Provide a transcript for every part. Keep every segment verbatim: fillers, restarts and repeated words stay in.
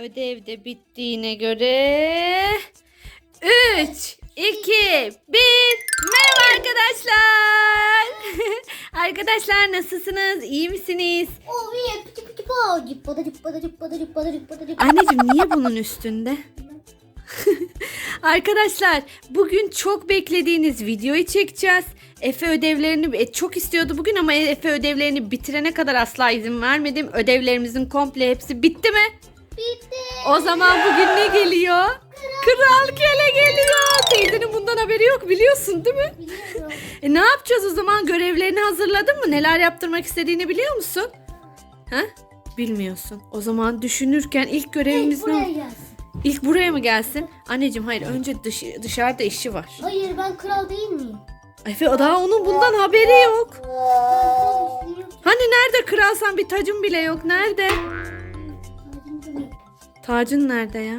Ödev de bittiğine göre üç, iki, bir. Merhaba arkadaşlar. Arkadaşlar nasılsınız? İyi misiniz? Anneciğim niye bunun üstünde? Arkadaşlar bugün çok beklediğiniz videoyu çekeceğiz. Efe ödevlerini çok istiyordu bugün ama Efe ödevlerini bitirene kadar asla izin vermedim. Ödevlerimizin komple hepsi bitti mi? Bitti. O zaman bugün ne geliyor? Kral, Kral Köle geliyor. Teyzenin bundan haberi yok, biliyorsun değil mi? Biliyorum. E ne yapacağız o zaman? Görevlerini hazırladın mı? Neler yaptırmak istediğini biliyor musun? Ha? Bilmiyorsun. O zaman düşünürken ilk görevimiz İlk ne? buraya gelsin. İlk buraya mı gelsin? Anneciğim hayır, önce dış, dışarıda işi var. Hayır, ben kral değil miyim? Efe daha onun bundan haberi yok. Ben kral değilim. Hani nerede kralsan, bir tacın bile yok. Nerede? Tacın nerede ya?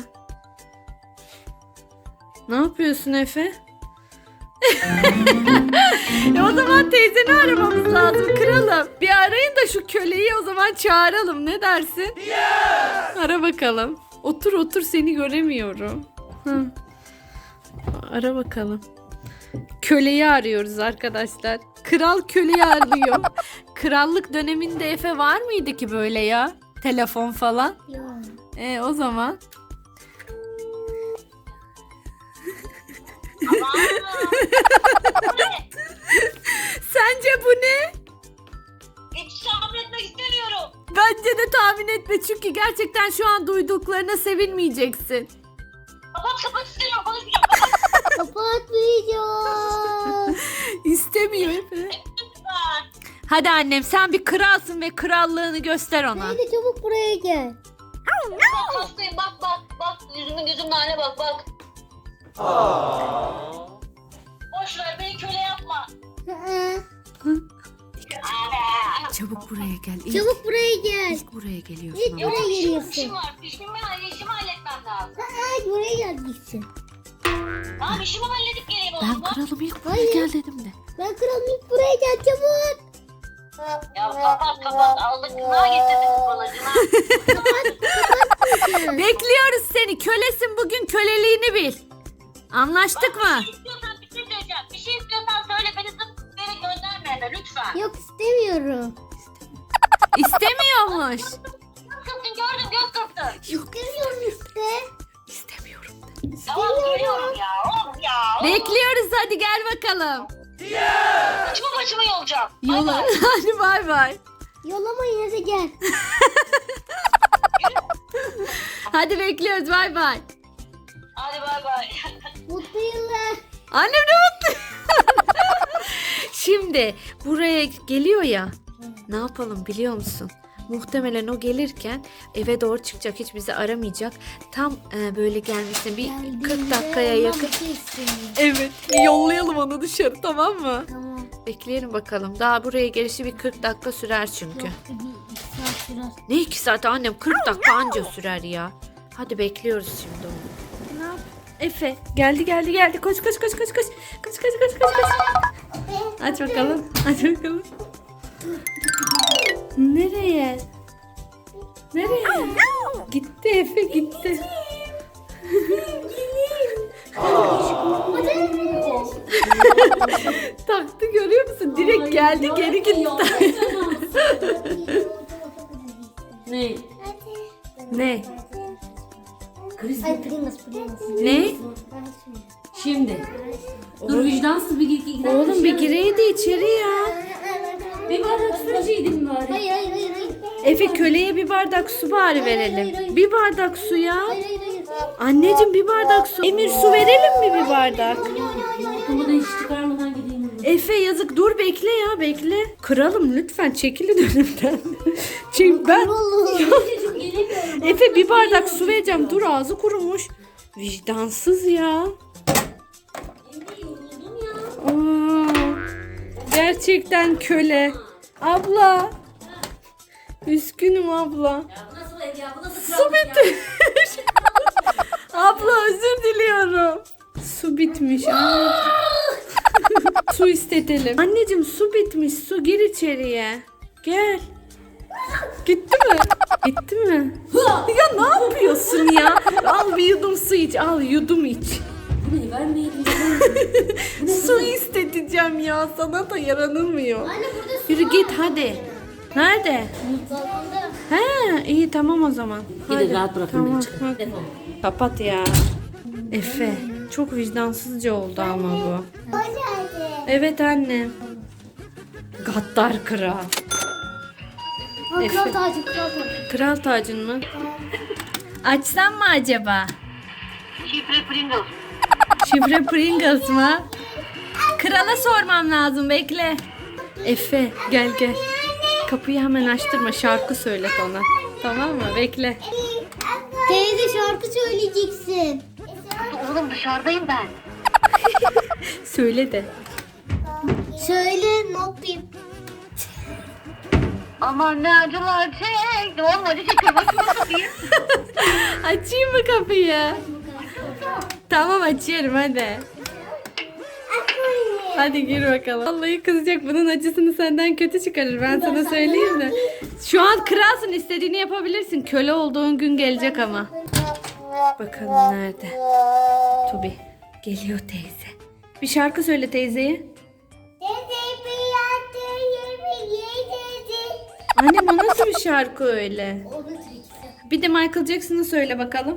Ne yapıyorsun Efe? e o zaman teyzeni aramamız lazım kralım. Bir arayın da şu köleyi o zaman çağıralım. Ne dersin? Yes! Ara bakalım. Otur otur, seni göremiyorum. Hı. Ara bakalım. Köleyi arıyoruz arkadaşlar. Kral köleyi arıyor. Krallık döneminde Efe var mıydı ki böyle ya? Telefon falan. Yok. E o zaman. Sence bu ne? Hiç tahmin etmek istemiyorum. Bence de tahmin etme, çünkü gerçekten şu an duyduklarına sevinmeyeceksin. Kapat kapat istemiyorum. Konuşmayacağım. Kapat Kapatmayacağım. İstemiyor Efe. lütfen. Hadi annem, sen bir kralsın ve krallığını göster ona. Hadi çabuk buraya gel. Bak hastayım bak bak. Bak yüzümün gözümün haline bak bak. Boş ver beni köle yapma. Çabuk buraya gel. İlk, Çabuk buraya gel. ilk buraya geliyorsun İlk ama. buraya Yok işim, geliyorsun. işim var. İşimi, işimi halletmem lazım. Hadi buraya gel gitsin. Tamam işimi halledip geleyim o Ben zaman. kralım, ilk buraya Hayır. gel dedim de. Ben kralım, ilk buraya gel çabuk. Ya kapat kapat. Aldık gına getirdik bana gına. Bekliyoruz seni. Kölesin, bugün köleliğini bil. Anlaştık mı? Bir şey istiyorsan bir şey söyleyeceğim. Bir şey istiyorsan söyle beni zıp beni gönderme eve lütfen. Yok, istemiyorum. İstemiyormuş. Göz kırptın gördüm göz kırptın. İstemiyorum işte. İstemiyorum. Tamam geliyorum ya. Oğlum ya. Bekliyoruz, hadi gel bakalım. Saçma başıma yolacağım. Bay Yola. bay. Hadi bay bay. Yolama, yine de gel. Hadi bekliyoruz, bay bay. Hadi bay bay. Mutlu yıllar. Annem ne mutlu. Şimdi buraya geliyor ya. Ne yapalım biliyor musun? Muhtemelen o gelirken eve doğru çıkacak, hiç bizi aramayacak. Tam e, böyle gelmesine bir kırk dakikaya Ondan yakın. bir şey istemiyorum. Evet, yollayalım onu dışarı, tamam mı? Tamam. Bekleyelim bakalım. Daha buraya gelişi bir kırk dakika sürer çünkü. Yok, bir iki saat sürer. Ne iki saat annem? kırk dakika anca sürer ya. Hadi bekliyoruz şimdi onu. Ne yap? Efe geldi geldi geldi. Koş koş koş koş koş. Koş koş koş koş koş. Aç bakalım. Aç bakalım. Nereye? Nereye? Gitti Efe, gitti. Taktı, görüyor musun? Direkt geldi, geri gitti. Ne? Ne? Ay Primus, Primus. Ne? Şimdi. Dur vicdansız bir gir. Oğlum bir gireydi içeri ya. Bir bardak su içeydim bari. Hayır, hayır, hayır, hayır. Efe köleye bir bardak su bari hayır, verelim. hayır. Bir bardak su ya. Hayır, hayır, hayır. Anneciğim bir bardak su. Emir su verelim mi bir bardak? Bunu da hiç çıkarmadan gideyim. Efe yazık, dur bekle ya, bekle. Kralım lütfen çekilin önümden. Çünkü ben Çocuk gelemiyorum. Efe bir bardak su vereceğim. Dur, ağzı kurumuş. Vicdansız ya. Aa, gerçekten köle. Abla. Üzgünüm abla. Ya bu nasıl ev ya? Bu nasıl Su krallık ya? bitmiş. Abla özür diliyorum. Su bitmiş. Aa. Su istetelim. Anneciğim su bitmiş. Su, gir içeriye. Gel. Gitti mi? Gitti mi? Ya ne yapıyorsun iç al yudum iç. Bu ne vermeyelim. Su isteteceğim ya sana da yaranılmıyor. Anne burada su Yürü var. git hadi. Nerede? Balkonda. He iyi tamam o zaman. Gidin Hadi. rahat bırakın Tamam. beni çıkın. Hadi. Defol. Kapat ya. Efe çok vicdansızca oldu ama bu. Hadi. Evet anne. Gaddar kral. Ha, Efe. kral tacı kral tacı. Kral tacın mı? Açsam mı acaba? Şifre Pringles. Şifre Pringles mı? Krala sormam lazım bekle. Efe gel gel. Kapıyı hemen açtırma şarkı söylet ona. Tamam mı? Bekle. Teyze şarkı söyleyeceksin. Oğlum dışarıdayım ben. Söyle de. Söyle ne yapayım? Aman ne acılar çekti. Oğlum acı çekiyor. Nasıl bakayım? Açayım mı kapıyı? Tamam açıyorum hadi. Hadi gir bakalım. Vallahi kızacak bunun acısını senden kötü çıkarır ben sana söyleyeyim de. Şu an kralsın istediğini yapabilirsin. Köle olduğun gün gelecek ama. Bakalım nerede? Tobi geliyor teyze. Bir şarkı söyle teyzeye. Annem o nasıl bir şarkı öyle? Bir de Michael Jackson'ı söyle bakalım.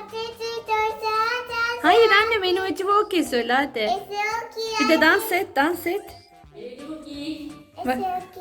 Hayır anne beni acı okey söyle hadi. Bir de dans et dans et. Bak.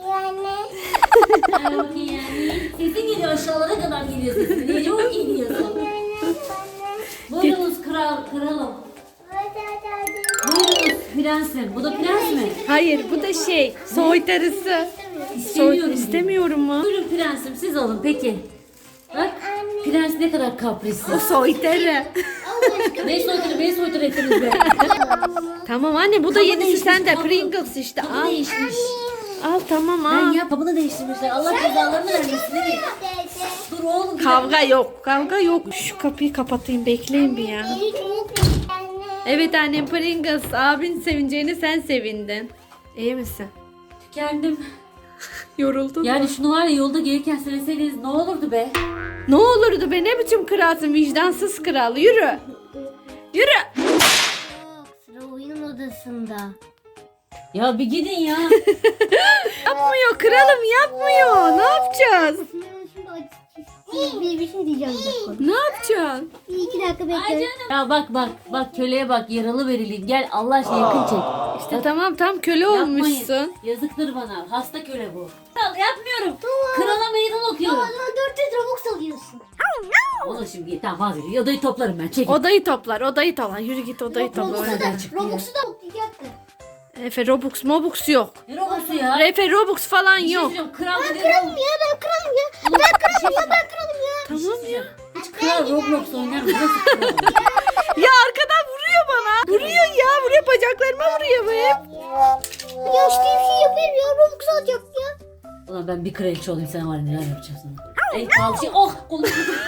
Sesin geliyor aşağılara kadar geliyor sesin. Niye çok iyi diyorsun? Buyurunuz kral, kralım. Buyurunuz prensim. Bu da prens mi? Hayır bu da şey soytarısı. İstemiyorum. Soy, istemiyorum mu? Buyurun prensim siz alın peki. Bak prens ne kadar kaprisli. O soytarı. Ne soytarı beni soytarı ettiniz be. Tamam anne bu da yenisi sende Pringles işte Kabı al. değişmiş. Al tamam Ben al. ya kabını değiştirmişler. Allah cezalarını vermesin değil mi? Dur oğlum. Kavga yok kavga yok. Şu kapıyı kapatayım bekleyin bir ya. Evet annem Pringles abin sevineceğine sen sevindin. İyi misin? Kendim. Yoruldun mu? Yani şunu var ya yolda gelirken söyleseydiniz ne olurdu be? Ne olurdu be ne biçim kralsın vicdansız kral yürü. Yürü. Sıra oyun odasında. Ya bir gidin ya. Yapmıyor kralım yapmıyor. Ne yapacağız? Bir, bir şey diyeceğim bir dakika. Ne yapacaksın? Bir iki dakika Ay bekle. canım. Ya bak bak bak köleye bak yaralı verileyim. Gel Allah aşkına yakın çek. İşte tamam tam köle Yapmayın. olmuşsun. Yazıktır bana. Hasta köle bu. Kral yapmıyorum. Krala meydan okuyorum. O zaman dört yüz Robux alıyorsun. O da şimdi tamam vazgeçiyor. Odayı toplarım ben. Çekil. Odayı toplar odayı toplar. Yürü git odayı topla. Robux'u da, Oradan çıkıyor. Robux'u da toplayacaktı. Efe Robux Mobux yok. Ne robosu ya? Efe Robux falan Bir şey yok. söyleyeceğim, Kral dedi. Kralım ya ben kralım ya. Ben kralım ya ben Kralım ya. Tamam ya. Hiç kral Roblox oynar mı? Nasıl kral? Ya arkadan vuruyor bana. Vuruyor ya vuruyor bacaklarıma vuruyor be. Ya işte bir şey yapayım ya. Robux alacak ya. Ulan ben bir kraliçe olayım sen var ya neler yapacağım sana. En pahalı şey oh kolum.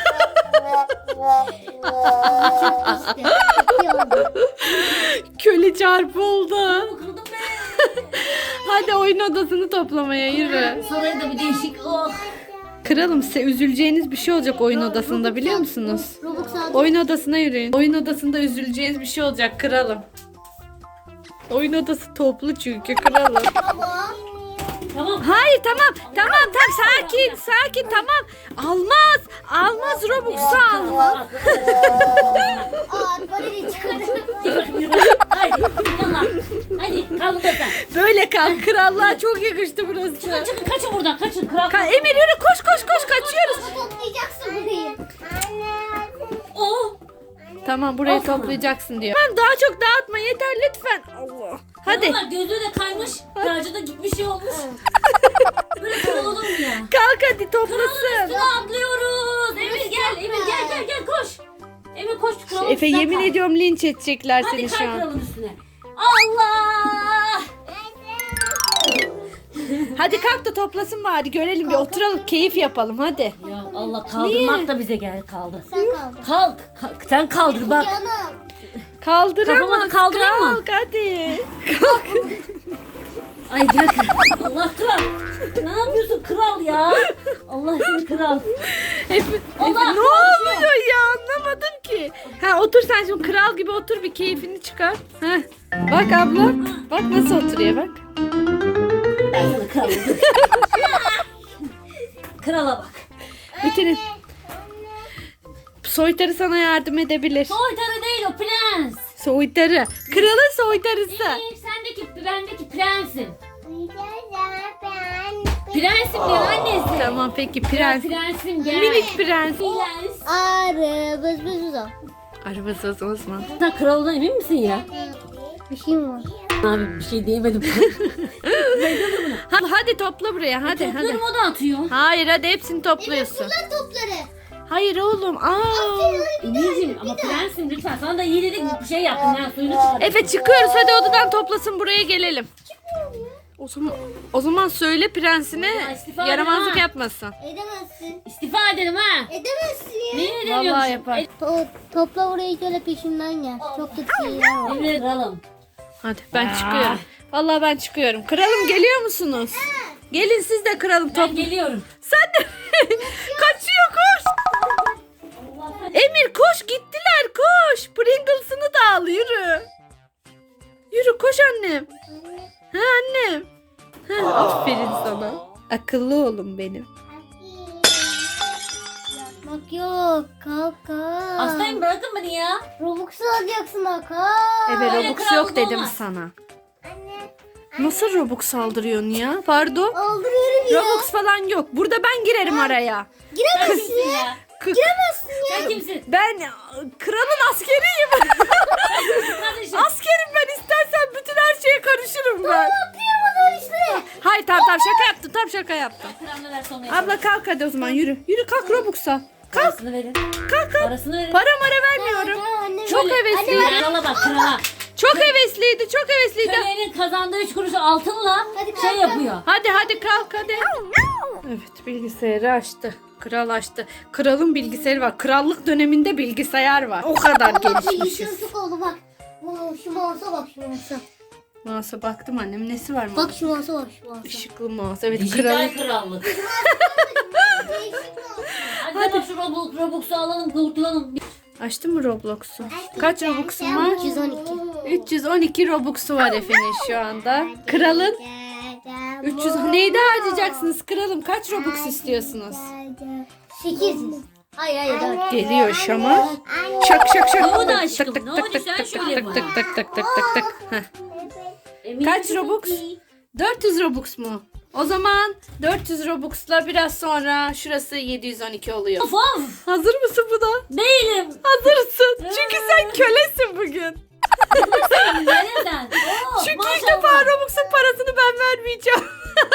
İşte. İyi oldu. Köle çarpı oldu. Kırdım be. Hadi oyun odasını toplamaya yürü. Sonra da bir değişik oh. Kralım size üzüleceğiniz bir şey olacak oyun odasında biliyor musunuz? Robux alacak. Oyun odasına yürüyün. Oyun odasında üzüleceğiniz bir şey olacak kralım. Oyun odası toplu çünkü kralım. Baba. Tamam. Hayır tamam tamam tamam sakin sakin tamam. Almaz almaz Robux'u almaz. Aa parayı çıkardım. Haydi yallah. Haydi kalk da sen. Böyle kal krallığa çok yakıştı burası. Çıkın çıkın kaçın buradan kaçın kral. Ka- Emir yürü koş koş koş kaçıyoruz. Toplayacaksın burayı. Oh. Tamam burayı Al sana. toplayacaksın diyor. Ben daha çok dağıtma yeter lütfen. Allah. Hadi Vallahi gözü de kaymış. Tacı da gitmiş şey olmuş. Böyle kral olur mu ya? kalk hadi Kralın toplasın. üstüne atlıyoruz. Emir gel Emir gel gel gel koş. Emir koş kralın Efe üstüne yemin kalk. ediyorum linç edecekler Hadi seni kay şu an. kralın üstüne. Allah. Hadi kalk da toplasın bari görelim bir oturalım keyif yapalım hadi. Ya Allah kaldırmak Niye? da bize gel kaldı. Sen kaldın. Kalk, kalk sen kaldır bak. Canım. Kaldıramaz. Kafamı kaldırayım mı? Kalk hadi. Ay gel. Allah kral. Ne yapıyorsun kral ya? Allah seni kral. Efe, Efe Allah, ne oluyor ya anlamadım ki. Ha otur sen şimdi kral gibi otur bir keyfini çıkar. Heh. Bak abla. Bak nasıl oturuyor bak. Ben sana kralım. Krala bak. Bitirin. Soytarı sana yardım edebilir. Soytarı değil o prens. Soytarı. Kralın soytarısı. Ee, sendeki bendeki prensim. Prensim diyor annesi. Tamam peki Gel prens. prensim gel. Minik prens. Prens. Arı bız bız bız. Arabası Osman. Sen kralından emin misin ya? Bir şey mi var? Abi bir şey diyemedim. Hadi, hadi topla buraya hadi hadi. Toplarım o da atıyor. Hayır hadi hepsini topluyorsun. Kullan topları. Hayır oğlum. Aa. Emir'cim ama prensim lütfen. Sana da iyi dedik bir şey yaptın ya suyunu çıkar. Efe çıkıyoruz hadi odadan toplasın buraya gelelim. O zaman, o zaman söyle prensine Ya, istifa yaramazlık edin ha. yapmasın. Edemezsin. İstifa edelim ha. Edemezsin ya. Niye edemiyorsun? Vallahi yapar. To- topla orayı şöyle peşimden gel. Çok kötü şeyler var. Emir kralım. Hadi ben Aa. çıkıyorum. Vallahi ben çıkıyorum. Kralım geliyor musunuz? Gelin siz de kralım Ben top. geliyorum. Sen de kaçıyor koş. Emir koş gittiler koş. Pringles'ını da al yürü. Yürü koş annem. Ha annem. Ha, aferin sana. Akıllı oğlum benim. Bak yok. Kalk kalk. Hastayım bırakın beni ya. Robux'u alacaksın ha kalk. Evet Öyle Robux krallık yok dedim olmaz. sana. Anne. Nasıl Robux saldırıyorsun ya? Pardon. Aldırıyorum ya. Robux falan yok. Burada ben girerim araya. Sen Giremezsin kimsin ya. ya? K- Sen kimsin? ben kralın askeriyim. Kardeşim. Askerim ben istersen bütün her şeye karışırım ben. Yapıyorum o zaman işte. Hayır tamam tamam şaka yaptım tam şaka yaptım. Kral ne derse onu yapalım. Abla kalk hadi o zaman yürü. Yürü kalk Robux'a. Kalk Parasını verin. kalk kalk. Parasını verin. Para mara vermiyorum. Tamam, anne. Çok Şöyle- hevesliydi. Krala bak krala. Çok hevesliydi çok hevesliydi. Kölenin kazandığı üç kuruşu altınla Hadi şey kalk, yapıyor. Hadi hadi kalk hadi. Evet bilgisayarı açtı. Kral açtı. Kralın bilgisayarı var. Krallık döneminde bilgisayar var. O kadar Bak bilgisayar gelişmişiz. çok oldu bak. Oo, şu mouse'a bak şu mouse'a. Mouse'a baktım annem nesi var mı? Bak şu mouse'a bak şu mouse'a. Işıklı mouse. Evet Dijital kralın. krallık. Değişik mouse. Hadi bak şu Robux, Robux'u alalım kurtulalım. Açtın mı Roblox'u? Kaç Robux'un var? üç yüz on iki. üç yüz on iki Robux'u var Efe'nin şu anda. Kralın üç yüz neydi harcayacaksınız kralım? Kaç Robux istiyorsunuz? sekiz yüz. Hayır hayır dört. Geliyor şama. Şak şak şak. Ne oldu Tık aşkım? tık Ne tık oldu? tık Sen tık şöyle tık bak. tık tık tık tık tık tık. Heh. Emin Kaç misin? Robux? dört yüz Robux mu? O zaman dört yüz Robux'la biraz sonra şurası yedi yüz on iki oluyor. Of of. Hazır mısın buna? Değilim. Hazırsın. Çünkü sen kölesin bugün. Nereden? Oo, Çünkü ilk maşallah. defa Robux'un parasını ben vermeyeceğim.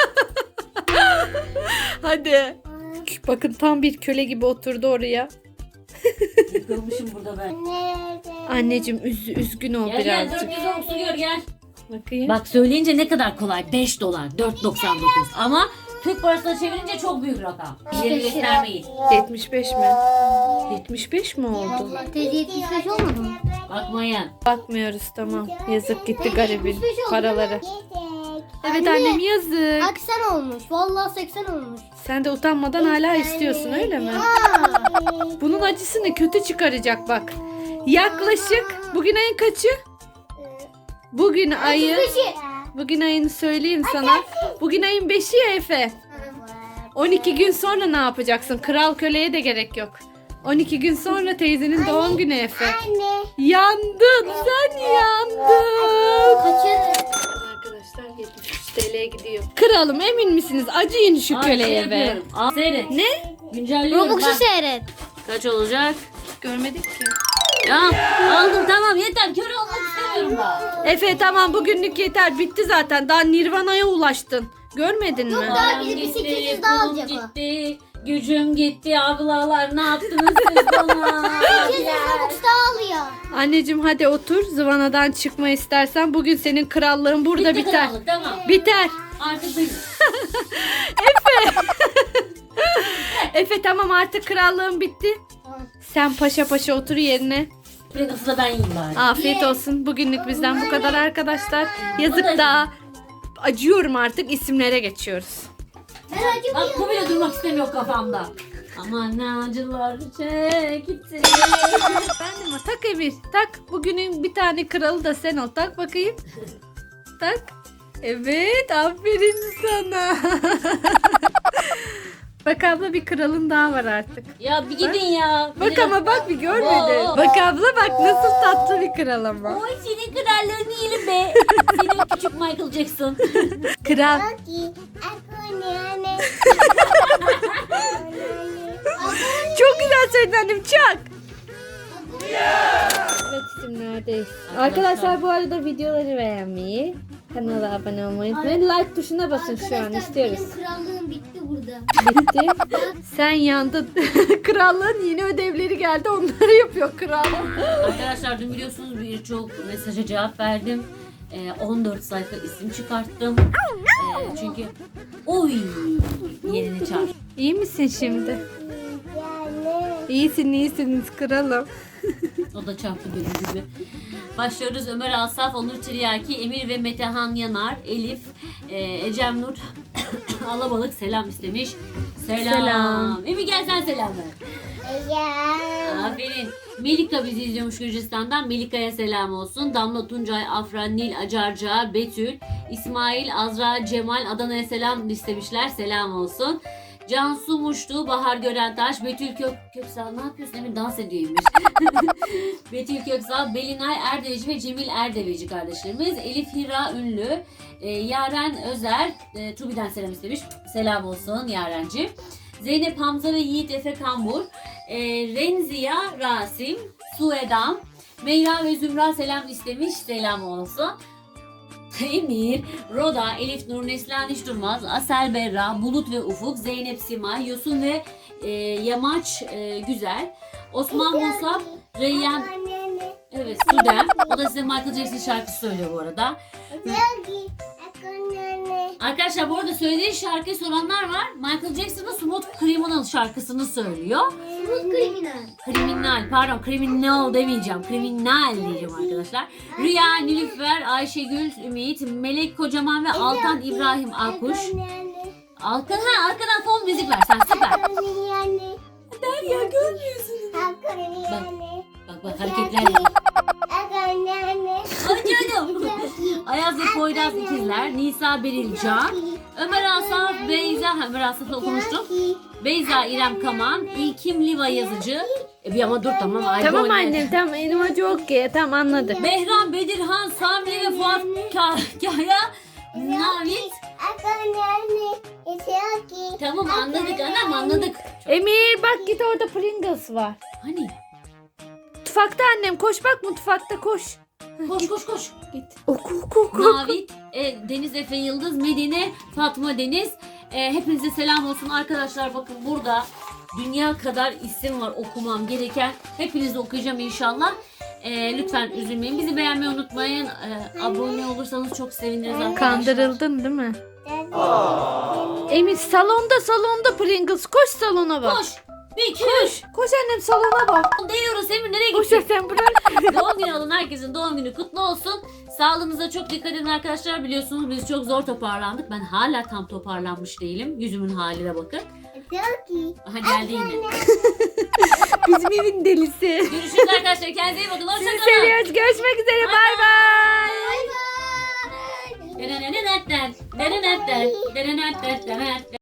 Hadi. Bakın tam bir köle gibi oturdu oraya. Yıkılmışım burada ben. Anneciğim üz, üzgün ol Gel gel birazcık. dört yüz Robux'u gör gel. Bakayım. Bak söyleyince ne kadar kolay. beş dolar. dört doksan dokuz. Ama Türk parasına çevirince çok büyük rakam. İleri göstermeyin. yetmiş beş mi? yetmiş beş mi oldu? Teyze yetmiş beş olmadı mı? Bakmayın. Bakmıyoruz tamam. Yazık gitti garibin yetmiş beş oldu. paraları. Evet Anne. annem yazık. seksen olmuş. Vallahi seksen olmuş. Sen de utanmadan hala istiyorsun öyle mi? Bunun acısını kötü çıkaracak bak. Yaklaşık bugün ayın kaçı? Bugün ayın Beşi. bugün ayın söyleyeyim sana. Bugün ayın beşi ya Efe. on iki gün sonra ne yapacaksın? Kral köleye de gerek yok. on iki gün sonra teyzenin doğum günü Efe. Anne. Yandın sen yandın. Kaçır. Arkadaşlar yetmiş üç T L'ye gidiyor. Kralım emin misiniz? Acıyın şu Ay, şey köleye be. yapıyorum. Al, seyret. Ne? Güncelliyorum Robux'u bak. seyret. Kaç olacak? Görmedik ki. Ya aldım tamam yeter. Köre olmak istemiyorum ben. Efe tamam bugünlük yeter bitti zaten. Daha Nirvana'ya ulaştın. Görmedin mi? Daha Param bir de bir gitti, sekiz yüz daha pulum alacak o. gitti, gücüm gitti ablalar ne yaptınız siz bana? sekiz yüz Robux daha alıyor. Anneciğim hadi otur. Zıvanadan çıkma istersen. Bugün senin krallığın burada Bitti biter. krallık, tamam. Biter. Artık benim. Efe tamam artık krallığın bitti. Sen paşa paşa otur yerine. Pringles'ı da ben yiyeyim bari. Afiyet olsun. Bugünlük bizden bu kadar arkadaşlar. Yazık da acıyorum artık isimlere geçiyoruz. Ben acımıyorum. Bak bu bile durmak istemiyor kafamda. Aman ne acılar çekti. Ben de mi? Tak Emir. Tak. Bugünün bir tane kralı da sen ol. Tak bakayım. Tak. Evet. Aferin sana. Bak abla bir kralın daha var artık. Ya bir gidin ya. Bak Bir- ama bak bir görmedin. Oo. Bak abla bak nasıl tatlı bir kral ama. Oy senin krallığını yiyelim be. Senin küçük Michael Jackson. Kral. Yoshi, aku nene. Çok güzel söyledin annem. Çak. Evet isimlerdeyiz. Arkadaşlar bu arada videoları beğenmeyi, kanala abone olmayı unutmayın. Like tuşuna basın şu an istiyoruz. Benim krallığım bitti burada. Bitti. Sen yandın. Krallığın yeni ödevleri geldi. Onları yapıyor kral. Arkadaşlar dün biliyorsunuz birçok mesaja cevap verdim. Ee, on dört sayfa isim çıkarttım. Ee, çünkü oy yerini çağır. İyi misin şimdi? Yani. İyisin iyisiniz kralım. O da çarptı benim gibi. Başlıyoruz. Ömer Asaf, Onur Tiryaki, Emir ve Metehan Yanar, Elif, e, Ecem Nur, Alabalık selam istemiş. Selam. Selam. Emir gel sen selam ver. Ya. Aferin. Melika bizi izliyormuş Gürcistan'dan. Melika'ya selam olsun. Damla Tuncay, Afra, Nil, Acarca, Betül, İsmail, Azra, Cemal, Adana'ya selam istemişler. Selam olsun. Cansu Muştu, Bahar Görentaş, Betül Kök Köksal ne yapıyorsun? Emin dans ediyormuş. Betül Köksal, Belinay Erdeveci ve Cemil Erdeveci kardeşlerimiz. Elif Hira Ünlü, e, Yaren Özer, e, Tubi'den selam istemiş. Selam olsun Yarenci. Zeynep Hamza ve Yiğit Efe Kambur, e, Renziya Rasim, Suedam, Meyra ve Zümra selam istemiş. Selam olsun. Emir, Roda, Elif Nur, Neslihan Hiç Durmaz, Asel Berra, Bulut ve Ufuk, Zeynep Simay, Yosun ve e, Yamaç e, Güzel, Osman Musab, Reyyan, Nene. evet Sudem. O da size Michael Jackson şarkısı söylüyor bu arada. Yoshi, aku nene. Arkadaşlar bu arada söylediği şarkıyı soranlar var. Michael Jackson'ın Smooth Criminal şarkısını söylüyor. Smooth kriminal. Kriminal, pardon kriminal demeyeceğim. Kriminal diyeceğim arkadaşlar. Rüya, Nilüfer, Ayşegül, Ümit, Melek Kocaman ve Altan İbrahim Akkuş. Aku nene. Alkan, ha arkadan fon müzik ver sen süper. Aku nene. Derya görmüyorsun. Aku nene. Bak bak hareketler yap. Aku nene. Ay canım. Ayaz ve Poyraz ikizler. Nisa Beril Can. Ömer Asaf, Beyza, Ömer Asaf'la okumuştum. Beyza İrem Kaman, İlkim Liva yazıcı. E bir ama dur tamam. Ay, Tamam bu ne? annem tamam elim acı okey tamam anladık. Behram, Bedirhan, Sami ve Fuat Ka- Kaya, Navit. Aku nene. Yoshi. Tamam anladık anam anladık. Emir bak git orada Pringles var. Hani Mutfakta annem koş bak mutfakta koş. koş koş koş. Git. Oku oku oku. Navit, e, Deniz Efe Yıldız, Medine, Fatma Deniz. E, hepinize selam olsun arkadaşlar. Bakın burada dünya kadar isim var okumam gereken. Hepinizi okuyacağım inşallah. E, lütfen üzülmeyin. Bizi beğenmeyi unutmayın. E, abone olursanız çok seviniriz arkadaşlar. Kandırıldın değil mi? Emir salonda salonda Pringles koş salona bak. Koş. Bir, iki, üç. Koş annem salona bak. Değiyoruz Emir nereye Koş gittik? sen bırak. Doğum günü olan herkesin doğum günü kutlu olsun. Sağlığınıza çok dikkat edin arkadaşlar. Biliyorsunuz biz çok zor toparlandık. Ben hala tam toparlanmış değilim. Yüzümün haline bakın. Yoshi. Aha geldi yine. Bizim evin delisi. Görüşürüz arkadaşlar. Kendinize iyi bakın. Sizi Hoşçakalın. seviyoruz. Görüşmek üzere. Bay bay. Bye bye. Denenenetten, denenetten, denenetten, denenetten.